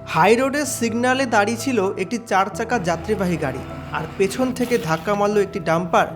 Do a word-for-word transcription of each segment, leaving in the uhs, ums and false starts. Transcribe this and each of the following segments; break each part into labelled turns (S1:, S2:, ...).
S1: High রোডের সিগন্যালে দাঁড়িয়ে ছিল একটি চার চাকা যাত্রীবাহী গাড়ি, আর পেছন থেকে ধাক্কা মারল একটি ডাম্পার।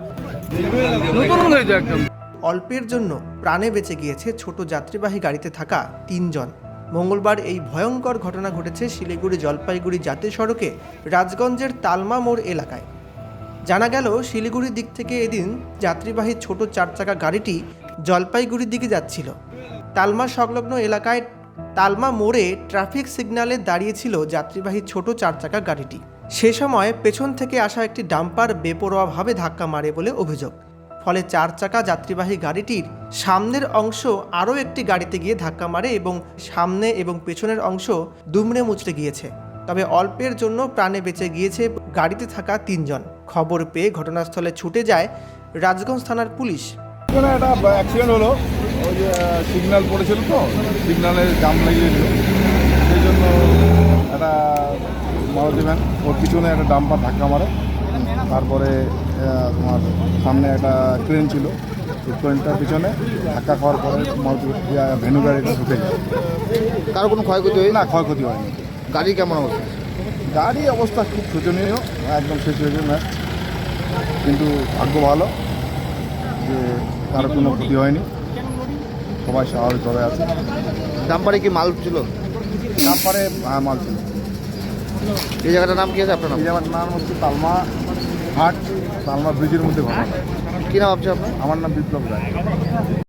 S1: অল্পের জন্য প্রাণে বেঁচে গিয়েছে ছোট যাত্রীবাহী গাড়িতে থাকা তিনজন। মঙ্গলবার এই ভয়ঙ্কর ঘটনা ঘটেছে শিলিগুড়ি জলপাইগুড়ি জাতীয় সড়কে রাজগঞ্জের তালমা মোড় এলাকায়। জানা গেল, শিলিগুড়ির দিক থেকে এদিন যাত্রীবাহী ছোট চার চাকা গাড়িটি জলপাইগুড়ির দিকে যাচ্ছিল। তালমা সংলগ্ন এলাকায় তালমা মোড়ে ট্রাফিক সিগন্যালে দাঁড়িয়েছিল যাত্রীবাহী ছোট চার চাকা গাড়িটি। সে সময় পেছন থেকে আসা একটি ডাম্পার বেপরোয়াভাবে ধাক্কা মারে বলে অভিযোগ। ফলে চার চাকা যাত্রীবাহী গাড়িটির সামনের অংশ আরও একটি গাড়িতে গিয়ে ধাক্কা মারে এবং সামনে এবং পেছনের অংশ দুমড়ে মুচড়ে গিয়েছে। তবে অল্পের জন্য প্রাণে বেঁচে গিয়েছে গাড়িতে থাকা তিনজন। খবর পেয়ে ঘটনাস্থলে ছুটে যায় রাজগঞ্জ থানার পুলিশ।
S2: এখানে একটা অ্যাক্সিডেন্ট হলো, ওই যে সিগন্যাল পড়েছিল, তো সিগন্যালে জাম লাগিয়েছিল, সেই জন্য একটা মারুতি ভ্যান ওর পিছনে একটা ডাম্পার ধাক্কা মারে। তারপরে তোমার সামনে একটা ট্রেন ছিল, ওই ট্রেনটার পিছনে ধাক্কা খাওয়ার পরে মারুতি ভ্যানু গাড়িটা ঢুকে যায়।
S3: কারো কোনো ক্ষয়ক্ষতি হয়
S2: না, ক্ষয়ক্ষতি হয়নি।
S3: গাড়ি কেমন অবস্থা?
S2: গাড়ি অবস্থা খুব শোচনীয়, একদম শেষ হয়ে যায় ম্যাচ, কিন্তু ভাগ্য ভালো যে কারো কোনো ক্ষতি হয়নি, সবাই স্বাভাবিকভাবে আছে।
S3: ডাম্পারে কি মাল ছিল?
S2: ডাম্পারে মাল ছিল।
S3: এই জায়গাটার নাম কি আছে আপনার নাম?
S2: এই জায়গাটার নাম হচ্ছে তালমা হাট, তালমা ব্রিজের মধ্যে ঘটনা।
S3: কী নাম ভাবছে আপনার?
S2: আমার নাম বিপ্লব রায়।